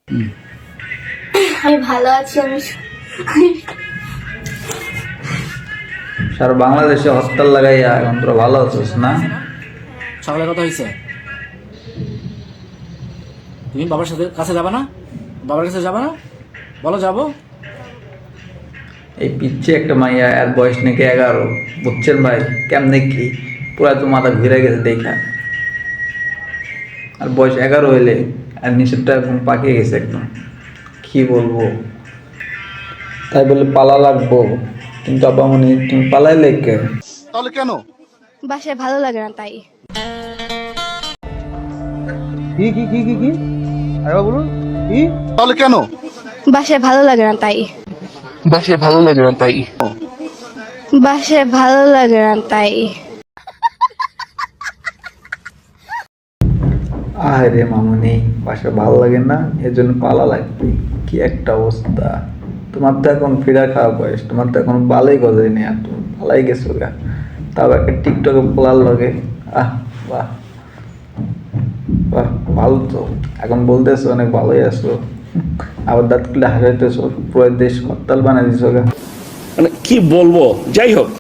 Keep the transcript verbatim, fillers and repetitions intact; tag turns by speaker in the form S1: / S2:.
S1: আমি ভালো আছি। আমি
S2: সারা বাংলাদেশে হরতাল লাগাইয়া এখন তোরা ভালো আছিস না?
S3: সকালে কথা হয়েছে, তুমি বাবার সাথে কাছে যাবা না? বাবার কাছে যাবা না? বলো যাবো।
S2: এই পিচ্ছে একটা মাইয়া, এর বয়স নাকি এগারো, বুঝছেন ভাই? কেমনে কি পুরা তো মাথা ঘুরে গেছে দেখা। আর বয়স এগারো হইলে আর নিষেধটা একদম পাকিয়ে গেছে একদম, কি বলবো। তাই বলে পালা লাগবো, কিন্তু আপামনি তুমি পালাইলে কে?
S4: তাহলে কেন?
S1: বাসায় ভালো লাগে না তাই।
S4: কি কি কি কি কি আরে বলুন কি? তাহলে কেন?
S1: বাসায় ভালো লাগে না তাই।
S5: বাসায় ভালো লাগে না তাই
S1: বাসায় ভালো লাগে না তাই।
S2: আরে মামুনি, বাসা ভালো লাগে না এজন্য পালা লাগবে? কি একটা অবস্থা। তোমার তো এখন ফিরা খাওয়া বয়স, তোমার তো এখন বালাই গজাই নেই, আর তুমি পালাই গেছো গা, তাও একটা টিকটকে পোলার লগে। আহ বাহ বাহ, ভালো তো। এখন বলতেছো অনেক ভালোই আছো, আবার দাঁত খুলে হাসাইতেছো, পুরো দেশ হরতাল বানাই দিছো গা।
S5: মানে কি বলবো, যাই হোক।